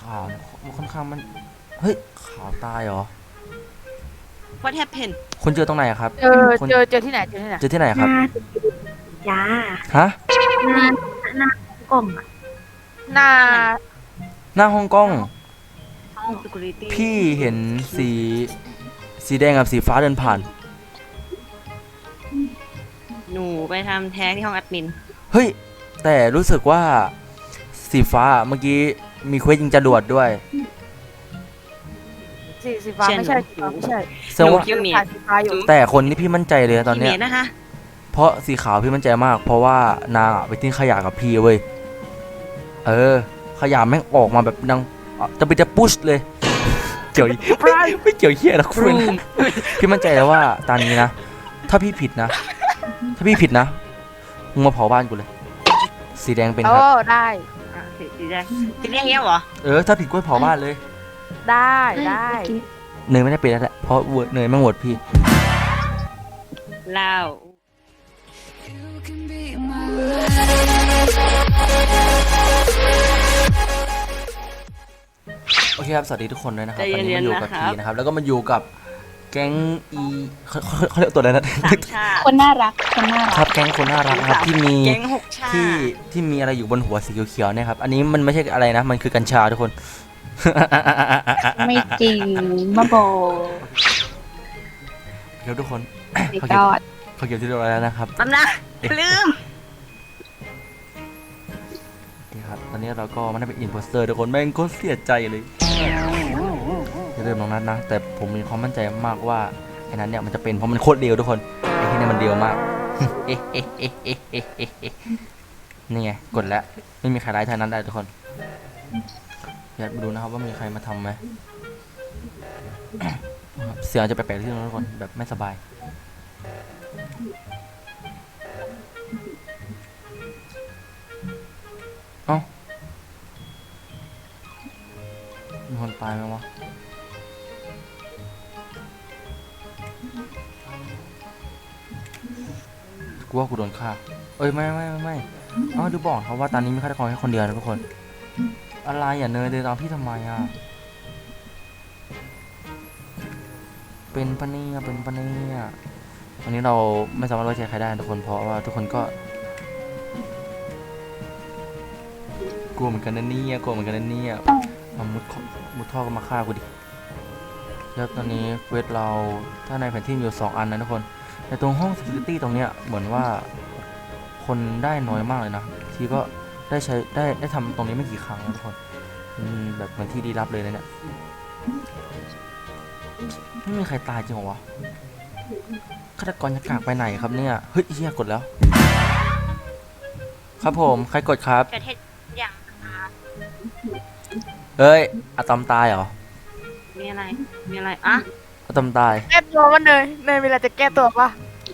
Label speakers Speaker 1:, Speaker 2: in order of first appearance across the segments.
Speaker 1: าวค่อนข้างมันเฮ้ยขาวตายเหรอ
Speaker 2: What happened
Speaker 1: คุณเจอตรงไหนครับ
Speaker 3: เจอ
Speaker 1: คุณ
Speaker 3: เจอที่ไหน
Speaker 1: เจอที่ไหนครับ
Speaker 4: จ้า
Speaker 1: ฮะ
Speaker 4: หน้ากล่องอ่ะ
Speaker 3: หน้า
Speaker 1: หน้าฮ่องกง
Speaker 2: ห้อง security
Speaker 1: พี่เห็นสีแดงกับสีฟ้าเดินผ่าน
Speaker 2: หนูไปทำแท้งที่ห้องแอดมิน
Speaker 1: เฮ้ยแต่รู้สึกว่าสีฟ้าเมื่อกี้มีเควสยิงจรวดด้วย
Speaker 3: สีฟ้าไม่ใช่สีฟ้าไม่ใช่
Speaker 1: แสดงว่า
Speaker 2: คิวเมีย
Speaker 3: ถ่ายสีฟ้าอยู่
Speaker 1: แต่คนที่พี่มั่นใจเลยตอนเนี้ย
Speaker 2: เมียนะคะ
Speaker 1: เพราะสีขาวพี่มั่นใจมาก เพราะว่านางอะไปทิ้งขยะกับพี่เว้ยขยะแม่งออกมาแบบดังจะพุชเลยเกี่ยวไม่เกี่ยวเหี้ยนะคุณพี่มั่นใจแล้วว่าตอนนี้นะถ้าพี่ผิดนะมึงมาเผาบ้านกูเลยสีแดงเป็นครับ
Speaker 3: ได้
Speaker 2: สีแดงสีแดงเงี้ยเหรอ
Speaker 1: ถ้าผิดก็เผาบ้านเลย
Speaker 3: ได้
Speaker 1: เนยไม่ได้เป็นแล้วแหละเพราะเนยไม่โหวตพี่
Speaker 2: เล่า
Speaker 1: โอเคครับสวัสดีทุกคนด้วยนะครับ
Speaker 2: ใจ
Speaker 1: วัน
Speaker 2: เย็
Speaker 1: นี้
Speaker 2: น
Speaker 1: มาอยู่กับ
Speaker 2: ๆนะครับ
Speaker 1: พีนะครับแล้วก็มาอยู่กับแก๊งเขาเรียกตัวอะไรนะ
Speaker 2: สามชาติ
Speaker 4: คนน่ารัก
Speaker 1: ครับแก๊งคนน่ารักนะครับที่มี
Speaker 2: แก๊งหกชาติ
Speaker 1: ที่มีอะไรอยู่บนหัวสีเขียวๆเนี่ยครับอันนี้มันไม่ใช่อะไรนะมันคือกัญชาทุกคน
Speaker 4: ไม่จริงมาโบ
Speaker 1: เดี๋ยวทุกคน
Speaker 4: ไม่
Speaker 1: เขา
Speaker 4: ก
Speaker 1: เก็บ
Speaker 4: อด
Speaker 1: เขาเก็บที่เรียบร้อยแล้วนะครับ
Speaker 2: แป๊บนะลืม
Speaker 1: นี่ครับตอนนี้เราก็มันได้เป็นอินโพสเตอร์ทุกคนแม่งก็เสียใจเลยอย่าลืมน้องนัทนะแต่ผมมีความมั่นใจมากว่าไอ้นั้นเนี่ยมันจะเป็นเพราะมันโคตรเร็วทุกคนไอ้ที่นี่มันเร็วมาก นี่ไงกดแล้วไม่มีใครไล่ทางนั้นได้ทุกคนอยากไปดูนะครับว่ามีใครมาทำไหม เสียงจะแปลกๆที่ทุกคนแบบไม่สบายเอ้ามีคนตายไหมวะกูว่ากูโดนฆ่าเอ้ยไม่เอ้าดูบอกเขาว่าตอนนี้มีฆาตกรแค่คนเดียวนะทุกคนอะไรอย่าเนยเดินตามพี่ทำไมอ่ะเป็นปะเนี่ยวันนี้เราไม่สามารถไว้ใจใครได้ทุกคนเพราะว่าทุกคนก็กลัวเหมือนกันนะเนี่ยมามุดท่อก็มาฆ่ากูดิแล้วตอนนี้เควสเราถ้าในแผนที่มีอยู่2 อันนะทุกคนแต่ตรงห้อง security ตรงเนี้ยเหมือนว่าคนได้น้อยมากเลยนะทีก็ได้ใช้ได้ทำตรงนี้ไม่กี่ครั้งนะทุกคนแบบเหมือนที่ดีลับเลยนะเนี่ยไม่มีใครตายจริงเหรอวะฆาตกรจะกากไปไหนครับเนี่ยเฮ้ยเฮียกดแล้วครับผมใครกดครับ
Speaker 2: ประเทศอย่าง
Speaker 1: เอ้ยอะตอมตายเหรอ
Speaker 2: มีอะไรอ่ะ
Speaker 1: อะตอมตาย
Speaker 3: แก้ตัวมันเนยเวลาจะแก้ตัวปะ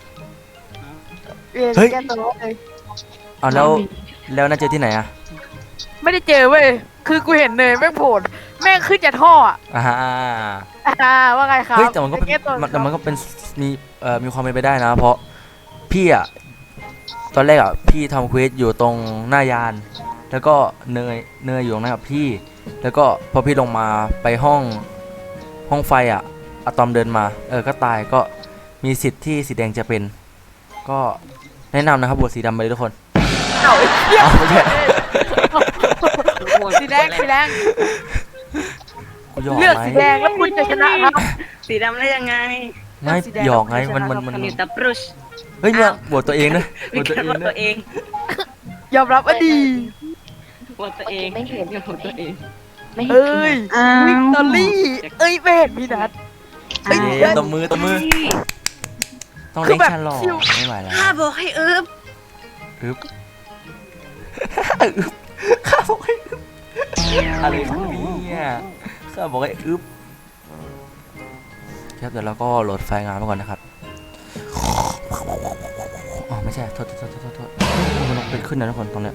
Speaker 3: แก้ตัวเลย
Speaker 1: เอาแล้วน่าเจอที่ไหนอะ
Speaker 3: ไม่ได้เจอเว้ยคือกูเห็นเนยแม่งโผล่แม่งขึ้นจากท่อว่าไงครับ
Speaker 1: เฮ้ยแต่มันก็เป็น
Speaker 3: แก้ตัว
Speaker 1: แต่มันก็เป็นมีความเป็นไปได้นะเพราะพี่อะตอนแรกอะพี่ทำเควสอยู่ตรงหน้ายานแล้วก็เนยอยู่ตรงนั้นกับพี่แล้วก็พอพี่ลงมาไปห้องไฟอะอะตอมเดินมาก็ตายก็มีสิทธิ์ที่สีแดงจะเป็นก็แนะนำนะครับบวชสีดำไปเลยทุกคน
Speaker 3: เอา
Speaker 1: ไม่ใช่
Speaker 3: สีแดง
Speaker 1: กูหยอก
Speaker 3: เลือก
Speaker 1: ไหม
Speaker 3: สีแดงแล้วคุณจะชนะครับ
Speaker 2: สีดำได้ยังไง
Speaker 1: ไม่
Speaker 3: สีแดง
Speaker 1: หยอกไง
Speaker 3: แล้ว
Speaker 1: มัน
Speaker 3: ชนะ
Speaker 2: คามิวตาบรุช
Speaker 1: เฮ้ยเนี่ยบวชตัวเองนะบ
Speaker 2: มี
Speaker 1: วชตัว
Speaker 2: การ
Speaker 1: เอง
Speaker 2: ว่า
Speaker 1: นะ
Speaker 2: ตัวเอง
Speaker 3: ยอมรับว่าดี
Speaker 2: ว่าตัวเองไม่เห็นกับตัวเอง
Speaker 4: ไม่เห็น
Speaker 3: เอ้ย
Speaker 4: อ้า
Speaker 3: วิก
Speaker 4: ว
Speaker 3: ตอรี่เอ้ยไม่เห็นพี่นัท เอ้ย
Speaker 1: เย้ตบมือต้อง
Speaker 3: คือ
Speaker 1: เลี้ยง
Speaker 3: แบบ
Speaker 1: ฉลอง
Speaker 3: ชิว
Speaker 1: ไม่ไหวแล้ว
Speaker 2: ข้าบอกให้อึบ
Speaker 1: อึ๊บอึ๊บข้าบอกให้อึ๊บอะไรของเนี่ยข้าบอกให้อึ๊บครับเดี๋ยวเราก็โหลดไฟล์งานมาก่อนนะครับอ๋อไม่ใช่โทษมันต้องเป็นขึ้นนะทุกคนตรงเนี้ย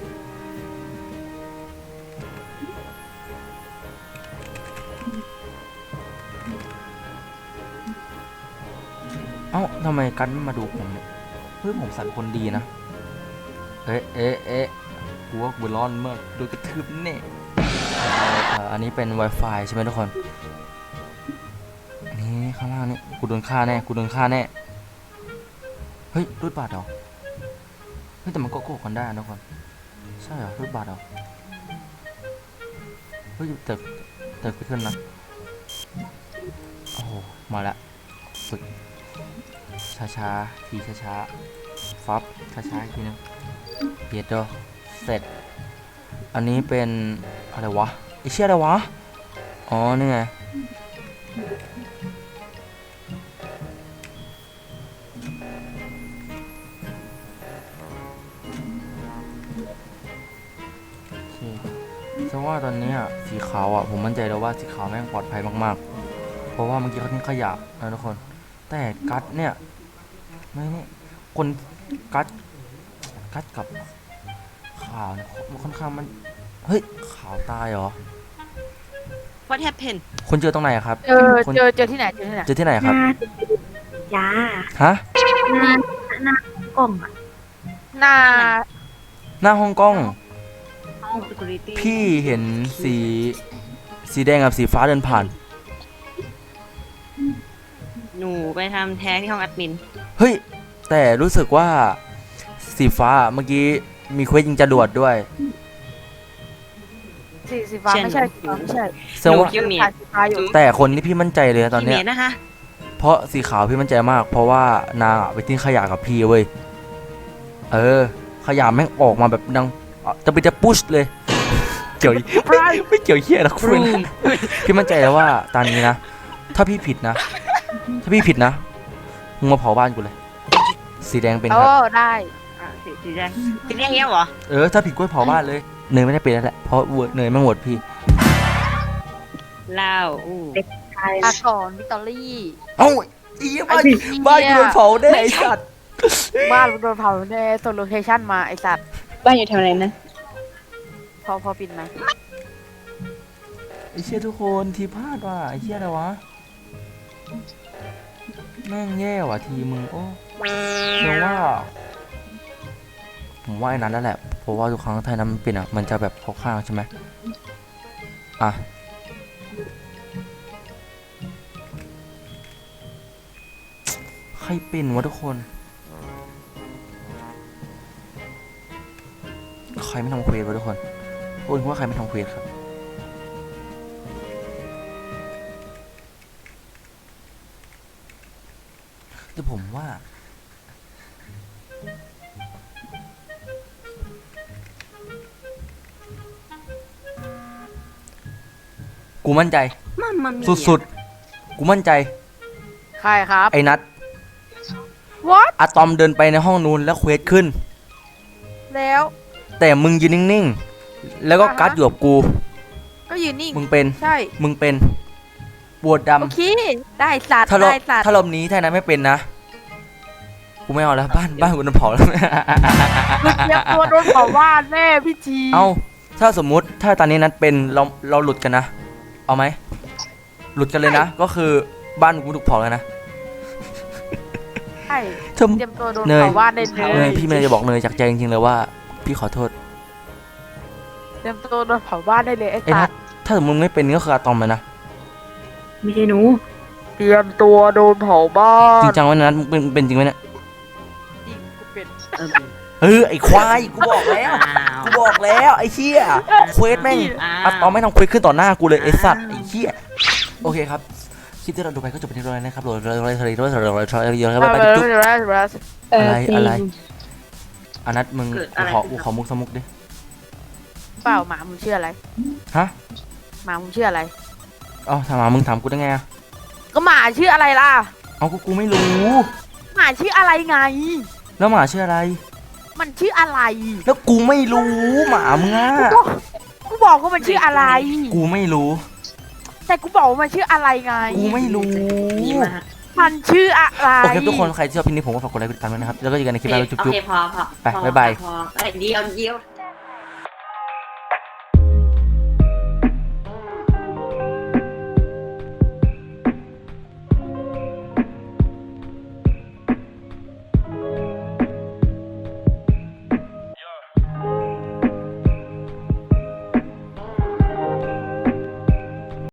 Speaker 1: เอ้าทำไมกันไม่มาดูผมเนี่ยเฮ้ยผมสั่นคนดีนะเอ๊ะกูว่ากูร้อนมากโดนกระทืบแน่อันนี้เป็น Wi-Fi ใช่ไหมทุกคนอันนี้ข้างล่างนี่กูโดนฆ่าแน่กูโดนฆ่าแน่เฮ้ยรูดบัตรเหรอเฮ้ยแต่มันก็โกงกันได้นะทุกคนใช่เหรอรูดบัตรเหรอเฮ้ยแต่ไปขึ้นนะโอ้โหมาละฝึกช้าๆทีช้าๆฟับช้าๆอีกทีนึงเย็ดดอเสร็จอันนี้เป็นอะไรวะไอเชี่ยอะไรวะอ๋อนี่ไงเพราะว่าตอนนี้สีขาวผมมั่นใจแล้วว่าสีขาวแม่งปลอดภัยมากๆเพราะว่าเมื่อกี้เขาทิ้งขยะนะทุกคนแต่กัดเนี่ยไม่นี่คนกัดกับขาวเนี่ยมันค่อนข้างมันเฮ้ยขาวตายเหรอ
Speaker 2: What happened
Speaker 1: คุณเจอตรงไหนครับ
Speaker 3: เจอที่ไหนเจอที่ไหน
Speaker 1: เจอที่ไหนครับ
Speaker 4: ยา
Speaker 1: ฮะ
Speaker 4: หน้ากล่องอ่ะ
Speaker 3: หน้า
Speaker 1: หน้าฮ่องกง
Speaker 2: ห้อง security
Speaker 1: พี่เห็นสีแดงกับสีฟ้าเดินผ่าน
Speaker 2: หนูไปทำแท้งที่ห้องแอดมิน
Speaker 1: เฮ้ยแต่รู้สึกว่าสีฟ้าเมื่อกี้มีเควสยิงจรวดด้วย
Speaker 3: สีฟ้าไม่ใช่สีฟ้าไม่ใช่
Speaker 1: แสดงว่า
Speaker 2: คิวเมีย
Speaker 3: สีฟ้าอยู่
Speaker 1: แต่คนที่พี่มั่นใจเลยนะตอนเนี้ย
Speaker 2: พี่เมย์นะคะ
Speaker 1: เพราะสีขาวพี่มั่นใจมาก เพราะว่านางไปทิ้งขยะกับพี่เว้ยขยะแม่งออกมาแบบดังจะปุชเลยเกี่ยวไม่เกี่ยวเหี้ยนะคุณพี่มั่นใจแล้วว่าตอนนี้นะถ้าพี่ผิดนะมึงมาเผาบ้านกูเลย สีแดงเป็นครับ
Speaker 3: ได้
Speaker 2: สีแดงเงี้ยเหรอ
Speaker 1: ถ้าผิดก็เผาบ้านเลยเนยไม่ได้เป็นแล้วแหละเพราะเนยไม่โหวตพี่
Speaker 2: เล่า
Speaker 4: ใช่
Speaker 3: อาก่อนวิกตอรี่
Speaker 1: เอ้าอีบ้านกูโดนเผาได้ไอ้สัตว์
Speaker 3: บ้านโดนเผาในส่วนโลเคชั่นมาไอสัตว์
Speaker 2: บ้านอยู่แถวไหนนะ
Speaker 3: พอปิดไหม
Speaker 1: ไอ้เชี่ยทุกคนทีพลาดว่ะไอ้เชี่ยอะไรวะแม่งแย่ว่ะทีมึงโอ้ผมว่าไอ้นั้นแล้วแหละเพราะว่าทุกครั้งไทยน้ำมันเป็นมันจะแบบเข้าข้างใช่ไหมใครเป็นวะทุกคนใครไม่ทำเควสวะทุกคนคุณว่าใครไม่ทำเควสครับแต่ผมว่ากูมั่นใจสุดๆกูมั่นใจ
Speaker 3: ใครครับ
Speaker 1: ไอ้นัท
Speaker 3: What
Speaker 1: อะตอมเดินไปในห้องนู้นแล้วเควสขึ้น
Speaker 3: แล้ว
Speaker 1: แต่มึงยืนนิ่งๆแล้วก็กัดอยู่กับกู
Speaker 3: ก็ยืนนิ่ง
Speaker 1: มึงเป็นปวดดำ
Speaker 3: โอเคได้สัตว์
Speaker 1: ถ้ารอบ
Speaker 3: ได้สัตว์
Speaker 1: ถ้ารอบนี้ถ้านั้นไม่เป็นนะกูไม่เอาแล้วบ้านกูโดนเผาแล้ว
Speaker 3: มึงเตรียมตัวโดนเผาบ้านแน่พี่จี
Speaker 1: เอาถ้าสมมุติถ้าตอนนี้นัทเป็นเราหลุดกันนะเอาไหมหลุดกันเลยนะ ก็คือบ้านกูถูกเผาแล้วนะ
Speaker 3: ใช่
Speaker 1: เธอ
Speaker 3: เตรียมตัวโดน
Speaker 1: เนย
Speaker 3: เผาบ้านได้เล
Speaker 1: เนย
Speaker 3: ย
Speaker 1: พี่เมย์จะบอกเนยจากใจจริงๆเลยว่าพี่ขอโทษ
Speaker 3: เตรียมตัวโดนเผาบ้านได้เลยไอ้
Speaker 1: ไอ้
Speaker 3: สั
Speaker 1: นั
Speaker 3: ต
Speaker 1: ท
Speaker 3: ว์
Speaker 1: ถ้าสมมติไม่เป็นก็คืออะตอมเลยนะ
Speaker 4: ไม่ใช่หนู
Speaker 3: เตรียมตัวโดนเผาบ้าน
Speaker 1: จริงจังไหมนัทมึงเป็นจริงไหมเนี่ย
Speaker 3: จริงกูเป็น
Speaker 1: ไอ้ควายกูบอกแล้วไอ้เหี้ยเควสแม่งอะตอมไม่ทำเควสขึ้นต่อหน้ากูเลยไอ้สัตว์ไอ้เหี้ยโอเคครับคลิปที่เราดูไปก็จบไปที่ตรงนี้นะครับอะไรอันนัทมึงขอมุกสมุกดิ
Speaker 3: เปล่าหมามึงชื่ออะไร
Speaker 1: ฮะ
Speaker 3: หมามึงชื่ออะไร
Speaker 1: ถามมึงถามกูได้ไงอะ
Speaker 3: ก็หมาชื่ออะไรล่ะ
Speaker 1: เอากูไม่รู้
Speaker 3: หมาชื่ออะไรไง
Speaker 1: แล้วหมาชื่ออะไร
Speaker 3: มันชื่ออะไร
Speaker 1: แล้วกูไม่รู้หมามึงอะ
Speaker 3: กูบอกว่ามันชื่ออะไร
Speaker 1: กูไม่รู้
Speaker 3: แต่กูบอกว่ามันชื่ออะไรไง
Speaker 1: กูไม่รู้
Speaker 3: มันชื่ออะไร
Speaker 1: โอเคทุกคนใครที่ชอบคลิปนี้ผมก็ฝากกดไลค์กดติดตามด้วยนะครับแล้วก็เจอกันในคลิปหน้าจุ๊บ
Speaker 2: โอเคพอ
Speaker 1: ไปบ๊ายบาย
Speaker 2: พอเดี๋ยว